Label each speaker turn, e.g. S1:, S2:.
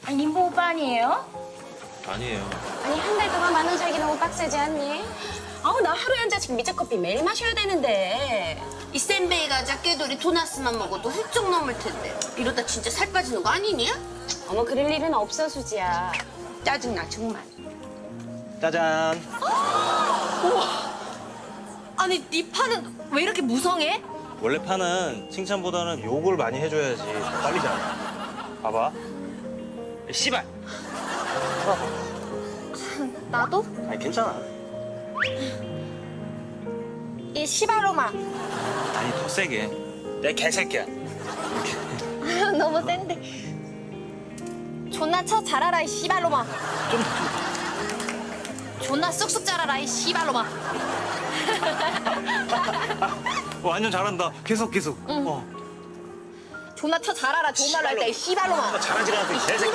S1: 아니 민보 오빠 아니에요?
S2: 아니에요.
S3: 아니 한 달 동안 10,000원 살기 너무 빡세지 않니? 아우 나 하루에 한 잔씩 미적커피 매일 마셔야 되는데.
S4: 이 센베이 과자 깨돌이 도나스만 먹어도 훌쩍 넘을 텐데 이러다 진짜 살 빠지는 거 아니니?
S3: 어머 그럴 일은 없어 수지야.
S4: 짜증나 정말.
S2: 짜잔.
S1: 아니 네 파는 왜 이렇게 무성해?
S2: 원래 파는 칭찬보다는 욕을 많이 해줘야지 빨리 자라. 봐봐. 씨발.
S1: 나도?
S2: 아니 괜찮아.
S1: 이 시바로마.
S2: 아니 더 세게. 내 개새끼야.
S1: 너무 센데. 존나 쳐 자라라 이 시발로마. 존나 쑥쑥 자라라 이 시발로마.
S2: 완전 잘한다. 계속.
S1: 존나 쳐 자라라 좋은 말로 할 때 이 시발로마.
S2: 잘하지 않았더니 개새끼.